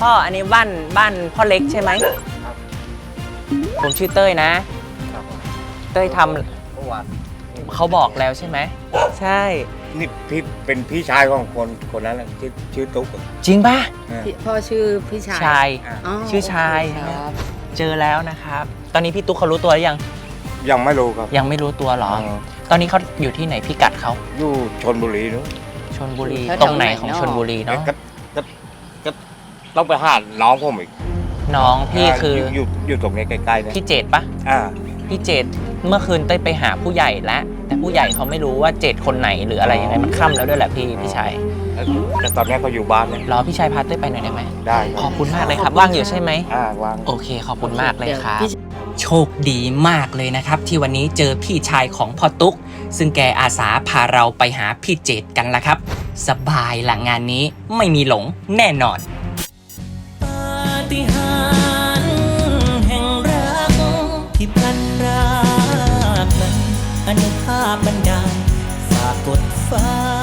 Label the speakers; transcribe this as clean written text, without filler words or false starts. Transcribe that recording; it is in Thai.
Speaker 1: พ่ออันนี้บ้านพ่อเล็กใช่ไหมผมชื่อเต้ยนะเต้ยทำ
Speaker 2: เมื่อวาน
Speaker 1: เขาบอกแล้วใช่ไหมใช่
Speaker 2: นี่พี่เป็นพี่ชายของคนนั้นแหละที่ชื่อตุ๊ก
Speaker 1: จริงป่ะ
Speaker 3: พ่อชื่อพี่ชาย
Speaker 1: ชาย
Speaker 3: อ๋อ
Speaker 1: ชื่อชาย
Speaker 3: โอเคครับ
Speaker 1: เจอแล้วนะครับ ตอนนี้พี่ตุ๊กเขารู้ตัวหรือยัง
Speaker 2: ยังไม่รู้ครับ
Speaker 1: ยังไม่รู้ตัวหรอ ตอนนี้เขาอยู่ที่ไหนพิกัดเขา
Speaker 2: อยู่ชลบุรีนู้น
Speaker 1: ชลบุรี
Speaker 3: แถวๆ
Speaker 1: ตรงไหน
Speaker 3: ไหน
Speaker 1: ของ
Speaker 3: เนอะ
Speaker 1: ชลบุรีเนาะ
Speaker 2: ก็ต้องไปหาน้องผมอีก
Speaker 1: น้องพี่คือ
Speaker 2: อยู่ตรงนี้ใกล้ๆเนี่ย
Speaker 1: พี่เจตปะ
Speaker 2: อ่า
Speaker 1: พี่เจตเมื่อคืนเต้ยไปหาผู้ใหญ่แล้วแต่ผู้ใหญ่เขาไม่รู้ว่าเจตคนไหนหรืออะไรยังไงมันค่ำแล้วด้วยแหละพี่ชัย
Speaker 2: แต่ตอนนี้เขาอยู่บ้านเนี่ย
Speaker 1: รอพี่ชัยพาเต้ยไปหน่อยได้ไหม
Speaker 2: ได้ค
Speaker 1: ข
Speaker 2: รั
Speaker 1: อบบ คุณมากเลยครับว่างอยู่ใช่ไหม
Speaker 2: วาง
Speaker 1: โอเคขอบคุณมากเลยครับ
Speaker 3: พี่
Speaker 1: โชคดีมากเลยนะครับ ที่วันนี้เจอพี่ชายของพ่อตุ๊ก ซึ่งแกอาสาพาเราไปหาพี่เจตกันละครับ สบายหลังงานนี้ไม่มีหลงแน่นอนปาฏิหาริย์แห่งรักที่พลันรากนั้นอนุภาพบันดาลฝากกดฟ้า